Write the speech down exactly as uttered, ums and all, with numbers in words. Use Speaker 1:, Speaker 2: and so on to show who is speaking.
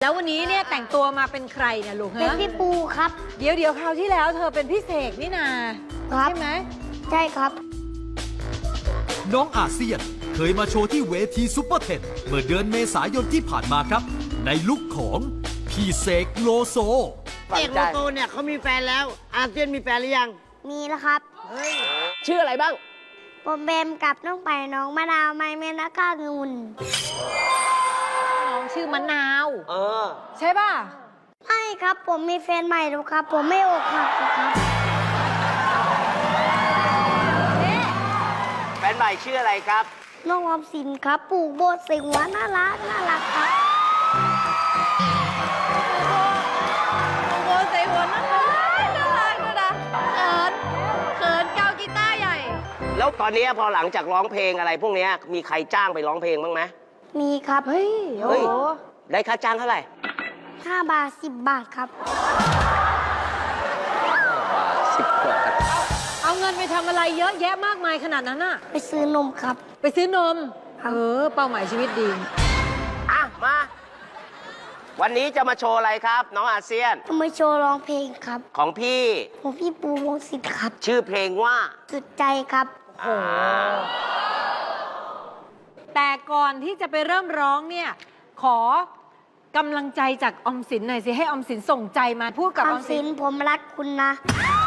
Speaker 1: แล้ววันนี้เนี่ยแต่งตัวมาเป็นใครเนี่ยลูก
Speaker 2: เป็น
Speaker 1: ฮะ
Speaker 2: พี่ปูครับ
Speaker 1: เดี๋ยวเดี๋ยวคราวที่แล้วเธอเป็นพี่เสกนี่นา
Speaker 2: ครับ
Speaker 1: ใช่ไหม
Speaker 2: ใช่ครับ
Speaker 3: น้องอาเซียนเคยมาโชว์ที่เวทีซุปเปอร์เทนเมื่อเดือนเมษายนที่ผ่านมาครับ ในลุคของพี่เสกโลโซ
Speaker 4: เอกโลโซเนี่ยเขามีแฟนแล้ว อาเซียนมีแฟนหรือยัง
Speaker 2: มีแล้วครับ
Speaker 5: ชื่ออะไรบ้าง
Speaker 2: ผมเบมกับน้องไปน้องมะนาวไม้เมนแล้วก็งุน
Speaker 1: น้องชื่อมะนาว
Speaker 5: เออ
Speaker 1: ใช่ป่ะ
Speaker 2: ไม่ครับผมมีแฟนใหม่แล้วครับ ผมไม่อกหักหรอกครับ
Speaker 5: แฟนใหม่ชื่ออะไรครับ
Speaker 2: น้องออมสินครับปลูกโบสถ์ใส่หัวน่ารักน่ารักครับ
Speaker 1: โบใส่หัวน่ารักน่ารักน่ารักเขินเขินเกากีตาร์ใหญ่
Speaker 5: แล้วตอนนี้พอหลังจากร้องเพลงอะไรพวกเนี้ยมีใครจ้างไปร้องเพลงบ้างไหม
Speaker 2: มีครับ
Speaker 1: เฮ้ย โอ้
Speaker 5: เฮ้ย
Speaker 1: โห
Speaker 5: ได้ค่าจ้างเท่าไหร่
Speaker 2: ห้าบาทสิบบาทครับ
Speaker 5: สิบบาท
Speaker 1: เอาเงินไปทำอะไรเยอะแยะมากมายขนาดนั้นน่ะ
Speaker 2: ไปซื้อนมครับ
Speaker 1: ไปซื้อนม
Speaker 2: ครับ
Speaker 1: เออ เป้าหมายชีวิตดี
Speaker 5: อ่ะ มา วันนี้จะมาโชว์อะไรครับ น้องอาเซียน
Speaker 2: จะมาโชว์ร้องเพลงครับ
Speaker 5: ของพี่
Speaker 2: ผมพี่ปูวงศิษฐ์ครับ
Speaker 5: ชื่อเพลงว่า
Speaker 2: สุดใจครับ
Speaker 1: โอ้แต่ก่อนที่จะไปเริ่มร้องเนี่ย ขอกำลังใจจากออมสินหน่อยสิ ให้ออมสินส่งใจมาพูดกับ
Speaker 2: อ
Speaker 1: อ
Speaker 2: อ
Speaker 1: อ
Speaker 2: ม
Speaker 1: ม
Speaker 2: สิ
Speaker 1: สิ
Speaker 2: น
Speaker 1: น
Speaker 2: ผมรักคุณนะ